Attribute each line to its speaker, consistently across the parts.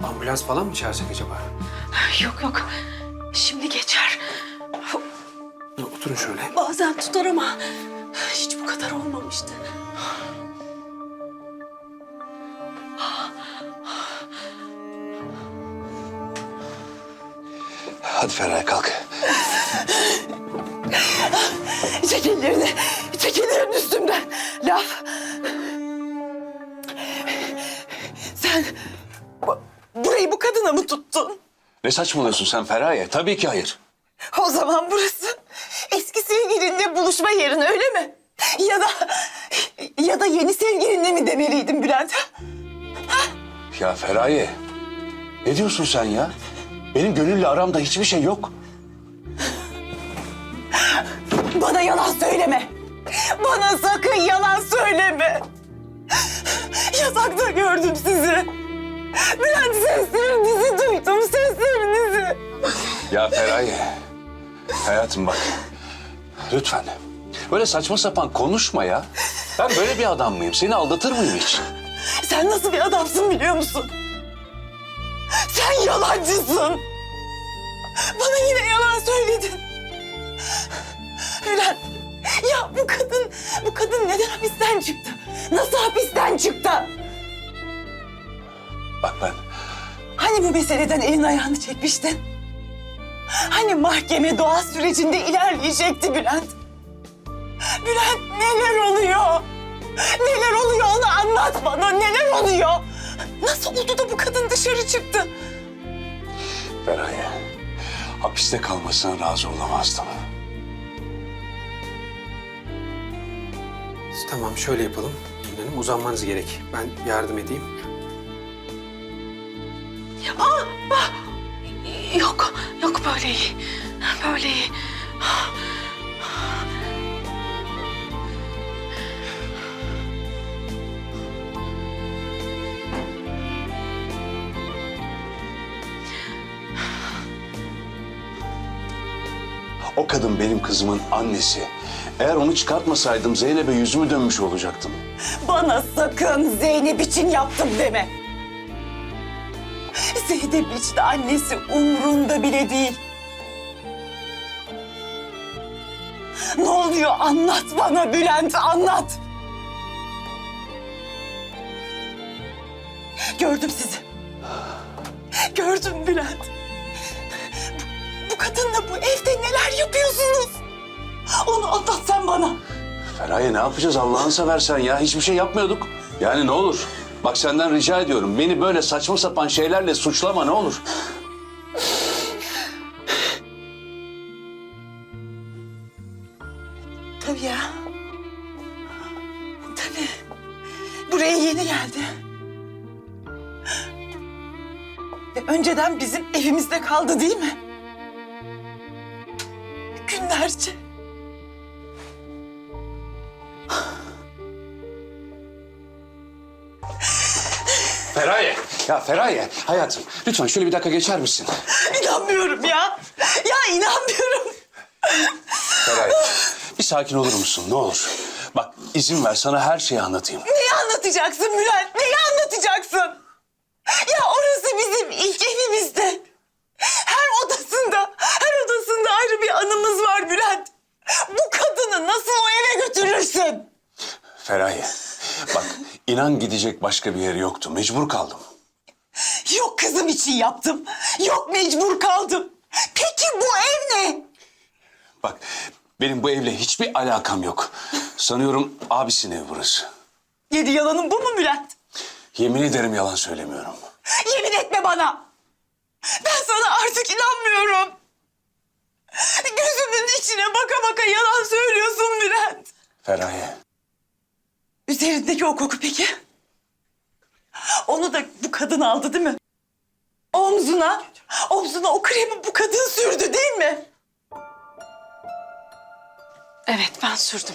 Speaker 1: Ambulans falan mı çağırsak acaba?
Speaker 2: Yok yok. Şimdi geçer.
Speaker 1: Oturun şöyle.
Speaker 2: Bazen tutar ama hiç bu kadar olmamıştı.
Speaker 3: Hadi Feraye kalk.
Speaker 2: Çek ellerini. Çek ellerini üstümden. Laf. Sen burayı bu kadına mı tuttun?
Speaker 3: Ne saçmalıyorsun sen Feraye? Tabii ki hayır.
Speaker 2: O zaman burası eski sevgilinle buluşma yerin öyle mi? Ya da yeni sevgilinle mi demeliydim Bülent?
Speaker 3: Ya Feraye, ne diyorsun sen ya? Benim Gönül'le aramda hiçbir şey yok.
Speaker 2: Bana yalan söyleme. Bana sakın yalan söyleme. Yatakta gördüm sizi. Bülent seslerinizi duydum, seslerinizi.
Speaker 3: Ya Feraye, hayatım bak. Lütfen. Böyle saçma sapan konuşma ya. Ben böyle bir adam mıyım? Seni aldatır mıyım hiç?
Speaker 2: Sen nasıl bir adamsın biliyor musun? Sen yalancısın. Bana yine yalan söyledin. Bülent, ya bu kadın neden hapisten çıktı? Nasıl hapisten çıktı?
Speaker 3: Bak ben...
Speaker 2: Hani bu meseleden elin ayağını çekmiştin? Hani mahkeme doğa sürecinde ilerleyecekti Bülent? Bülent neler oluyor? Neler oluyor onu anlat bana. Neler oluyor? Nasıl oldu da bu kadın dışarı çıktı?
Speaker 3: Feraye, hapiste kalmasına razı olamazdım.
Speaker 1: Tamam şöyle yapalım. Gülün Hanım uzanmanız gerek. Ben yardım edeyim.
Speaker 2: Yok böyle iyi. Böyle iyi.
Speaker 3: O kadın benim kızımın annesi. Eğer onu çıkartmasaydım Zeynep'e yüzümü dönmüş olacaktım.
Speaker 2: Bana sakın Zeynep için yaptım deme. Zeynep için annesi umrunda bile değil. Ne oluyor anlat bana Bülent anlat. Gördüm sizi. Gördüm Bülent. Bu kadınla bu evde neler yapıyorsunuz? Onu anlat sen bana.
Speaker 3: Feraye ne yapacağız Allah'ını seversen ya? Hiçbir şey yapmıyorduk. Yani ne olur? Bak senden rica ediyorum. Beni böyle saçma sapan şeylerle suçlama ne olur?
Speaker 2: Tabii ya. Tabii. Buraya yeni geldi. Ve önceden bizim evimizde kaldı değil mi? Günlerce.
Speaker 3: Feraye! Ya Feraye hayatım lütfen şöyle bir dakika geçer misin?
Speaker 2: İnanmıyorum ya. Ya inanmıyorum.
Speaker 3: Feraye bir sakin olur musun ne olur? Bak izin ver sana her şeyi anlatayım.
Speaker 2: Neyi anlatacaksın Bülent? Neyi anlatacaksın? Ya orası bizim ilk evimizde. Her odasında ayrı bir anımız var Bülent. Bu kadını nasıl o eve götürürsün?
Speaker 3: Feraye bak inan gidecek başka bir yeri yoktu. Mecbur kaldım.
Speaker 2: Yok kızım için yaptım. Yok mecbur kaldım. Peki bu ev ne?
Speaker 3: Bak benim bu evle hiçbir alakam yok. Sanıyorum abisinin evi burası.
Speaker 2: Yedi yalanın bu mu Bülent?
Speaker 3: Yemin ederim yalan söylemiyorum.
Speaker 2: Yemin etme bana. Ben sana artık inanmıyorum. Gözümün içine baka baka yalan söylüyorsun Bülent.
Speaker 3: Feraye.
Speaker 2: Üzerindeki o koku peki? Onu da bu kadın aldı değil mi? Omzuna o kremi bu kadın sürdü değil mi? Evet ben sürdüm.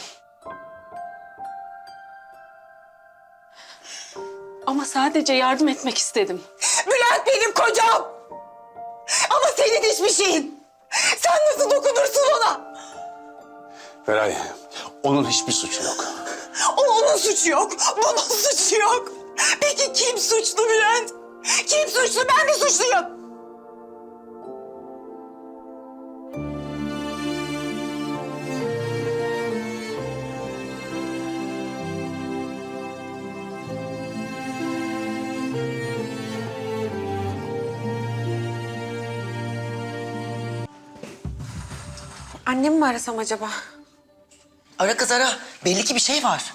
Speaker 2: Ama sadece yardım etmek istedim. Bülent benim kocam. Ama senin hiçbir şeyin. Sen nasıl dokunursun ona?
Speaker 3: Feraye onun hiçbir suçu yok.
Speaker 2: Onun suçu yok, bunun suçu yok. Peki kim suçlu Bülent? Kim suçlu, ben mi suçluyum?
Speaker 4: Annemi mi arasam acaba?
Speaker 5: Ara kız ara. Belli ki bir şey var.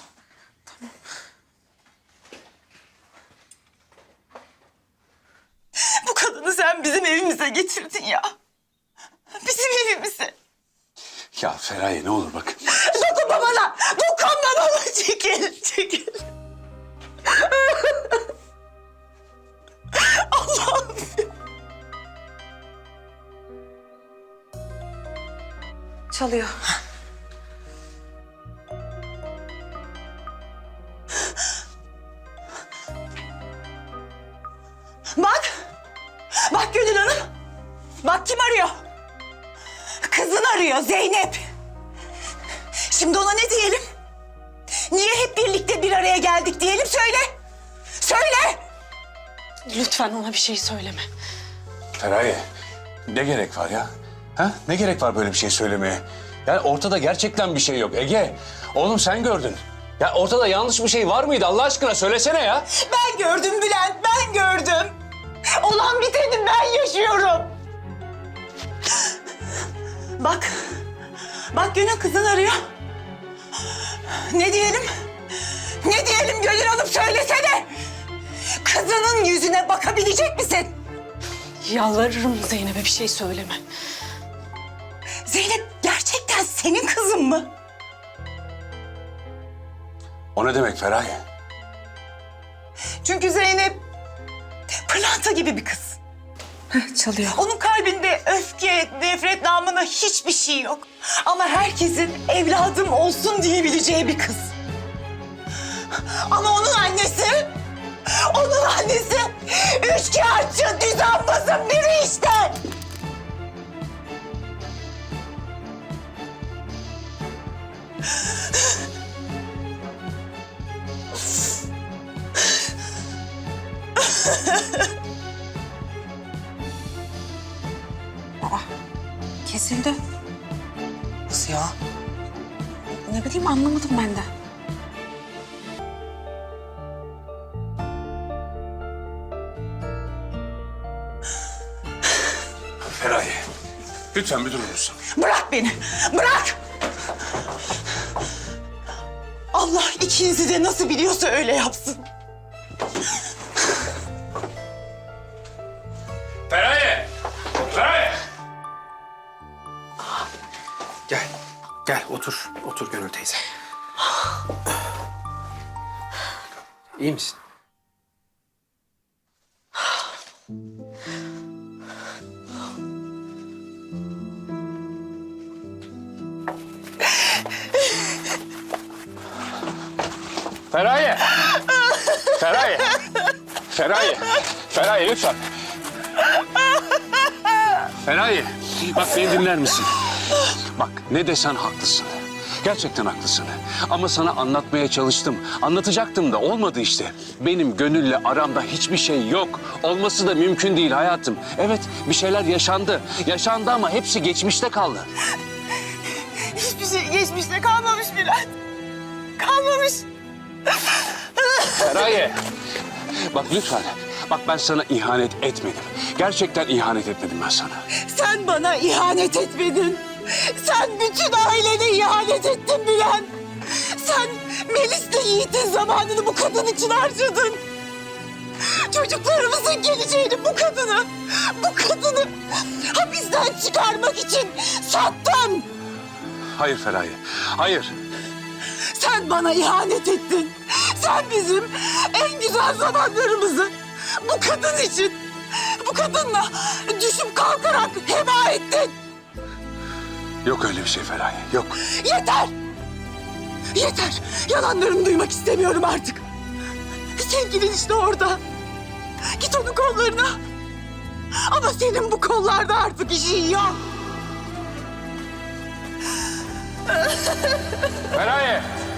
Speaker 2: Bu kadını sen bizim evimize getirdin ya. Bizim evimize.
Speaker 3: Ya Feraye ne olur bak.
Speaker 2: Dokunma bana! Dokunma bana! Çekil, çekil. Allah'ım.
Speaker 4: Çalıyor.
Speaker 2: Bak! Bak Gönül Hanım! Bak kim arıyor? Kızın arıyor, Zeynep. Şimdi ona ne diyelim? Niye hep birlikte bir araya geldik diyelim, söyle! Söyle!
Speaker 4: Lütfen ona bir şey söyleme.
Speaker 3: Feraye ne gerek var ya? Ha? Ne gerek var böyle bir şey söylemeye? Yani ortada gerçekten bir şey yok. Ege, oğlum sen gördün. Ya ortada yanlış bir şey var mıydı Allah aşkına söylesene ya.
Speaker 2: Ben gördüm Bülent, ben gördüm. Olan biteni ben yaşıyorum. Bak, bak Gönül kızın arıyor. Ne diyelim? Ne diyelim Gönül Hanım, söylesene. Kızının yüzüne bakabilecek misin?
Speaker 4: Yalvarırım Zeynep'e bir şey söyleme.
Speaker 2: Zeynep gerçekten senin kızın mı?
Speaker 3: O ne demek Feraye?
Speaker 2: Çünkü Zeynep pırlanta gibi bir kız.
Speaker 4: Çalıyor.
Speaker 2: Onun kalbinde öfke, nefret namına hiçbir şey yok. Ama herkesin evladım olsun diyebileceği bir kız. Ama onun annesi üçkağıtçı, düzenbazın biri işte.
Speaker 4: Kesildi.
Speaker 5: Nasıl ya?
Speaker 4: Ne bileyim anlamadım ben de.
Speaker 3: Feraye, lütfen bir durur musun?
Speaker 2: Bırak beni, bırak! Allah ikinizi de nasıl biliyorsa öyle yapsın.
Speaker 3: Feraye! Feraye!
Speaker 1: Gel. Gel otur. Otur Gönül teyze. İyi misin?
Speaker 3: Feraye! Feraye! Feraye! Feraye lütfen. Feraye, bak beni dinler misin? Bak ne desen haklısın. Gerçekten haklısın. Ama sana anlatmaya çalıştım. Anlatacaktım da olmadı işte. Benim Gönül'le aramda hiçbir şey yok. Olması da mümkün değil hayatım. Evet bir şeyler yaşandı. Yaşandı ama hepsi geçmişte kaldı.
Speaker 2: Hiçbir şey geçmişte kalmamış Bülent. Kalmamış.
Speaker 3: Feraye, bak lütfen. Bak ben sana ihanet etmedim. Gerçekten ihanet etmedim ben sana.
Speaker 2: Sen bana ihanet etmedin. Sen bütün ailene ihanet ettin Bülent. Sen Melis'le Yiğit'in zamanını bu kadın için harcadın. Çocuklarımızın geleceğini bu kadını hapisten çıkarmak için sattın.
Speaker 3: Hayır Feraye, hayır.
Speaker 2: Sen bana ihanet ettin. Sen bizim en güzel zamanlarımızı bu kadın için, bu kadınla düşüp kalkarak heba ettin.
Speaker 3: Yok öyle bir şey Feraye, yok.
Speaker 2: Yeter! Yeter! Yalanlarını duymak istemiyorum artık. Sevgilin işte orada. Git onun kollarına. Ama senin bu kollarda artık işin yok.
Speaker 3: Feraye!